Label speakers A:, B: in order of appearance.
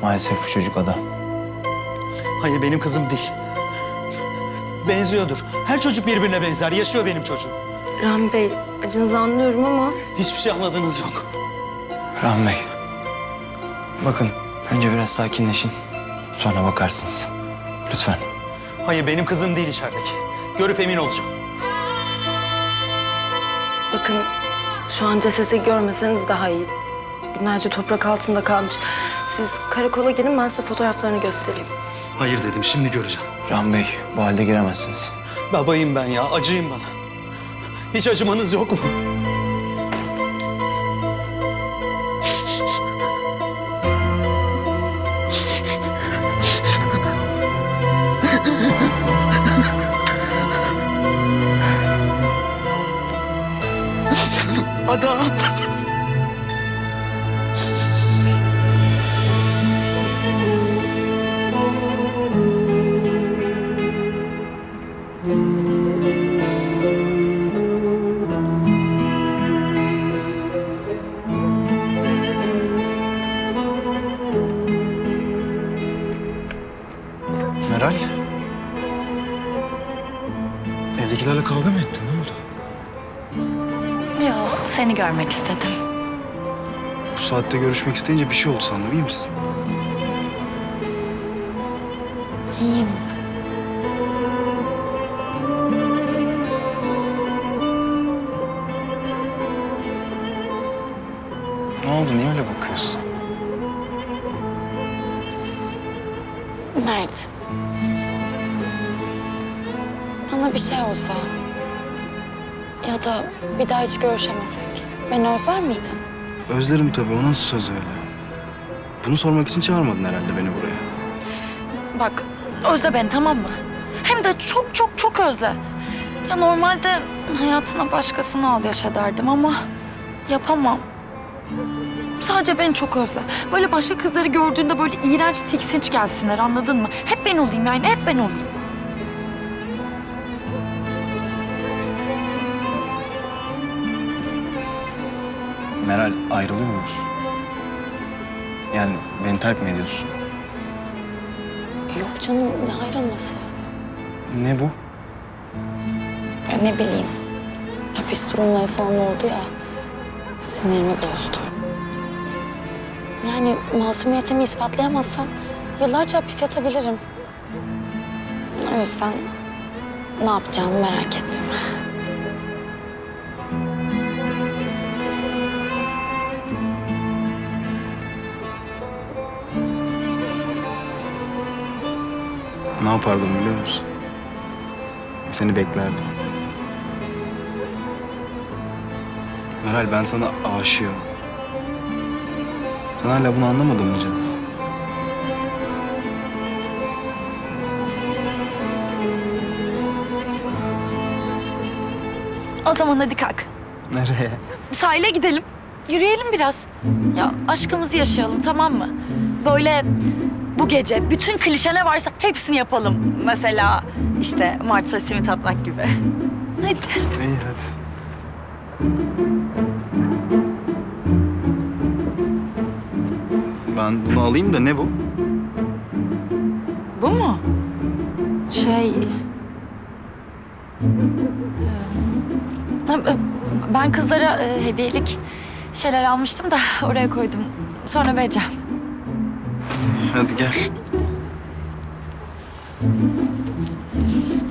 A: Maalesef bu çocuk Ada.
B: Hayır, benim kızım değil. Benziyordur. Her çocuk birbirine benzer. Yaşıyor benim çocuğum.
C: Rahmi Bey, acınızı anlıyorum ama...
B: Hiçbir şey anladığınız yok.
A: Rahmi Bey. Bakın önce biraz sakinleşin. Sonra bakarsınız. Lütfen.
B: Hayır, benim kızım değil içerideki. Görüp emin olacağım.
C: Bakın, şu an cesedi görmeseniz daha iyi. Günlerce toprak altında kalmış. Siz karakola gelin, ben size fotoğraflarını göstereyim.
B: Hayır dedim, şimdi göreceğim.
A: Rahmi Bey, bu halde giremezsiniz.
B: Babayım ben ya, acıyın bana. Hiç acımanız yok mu? Ada!
D: Meral. Evdekilerle kavga mı ettin? Ne oldu?
E: Yo, seni görmek istedim.
D: Bu saatte görüşmek isteyince bir şey oldu sandım. İyi misin?
E: İyiyim.
A: Ne oldu? Niye öyle bakıyorsun?
E: Mert. Bana bir şey olsa ya da bir daha hiç görüşemesek beni özler miydin?
D: Özlerim tabii. O nasıl söz öyle? Bunu sormak için çağırmadın herhalde beni buraya.
E: Bak, özle beni, tamam mı? Hem de çok çok çok özle. Ya normalde hayatına başkasını al yaşa derdim ama yapamam. Sadece beni çok özle. Böyle başka kızları gördüğünde böyle iğrenç, tiksinç gelsinler, anladın mı? Hep ben olayım yani, hep ben olayım.
A: Meral, ayrılıyor muyuz? Yani beni terk mi ediyorsun?
E: Yok canım, ne ayrılması?
A: Ne bu?
E: Ya ne bileyim, hapis durumları falan oldu ya, sinirimi bozdu. Yani masumiyetimi ispatlayamazsam yıllarca hapis yatabilirim. O yüzden ne yapacağını merak ettim.
D: Ne yapardım biliyor musun? Seni beklerdim. Meral, ben sana aşığım. Sen hala bunu anlamadın mı Ceniz?
E: O zaman hadi kalk.
D: Nereye?
E: Sahile gidelim. Yürüyelim biraz. Ya aşkımızı yaşayalım, tamam mı? Böyle bu gece bütün klişe ne varsa hepsini yapalım. Mesela işte Mart'ta simit atmak gibi. Hadi.
D: İyi hadi. Ben bunu alayım da ne bu?
E: Bu mu? Ben kızlara hediyelik şeyler almıştım da oraya koydum. Sonra vereceğim.
D: Hadi gel.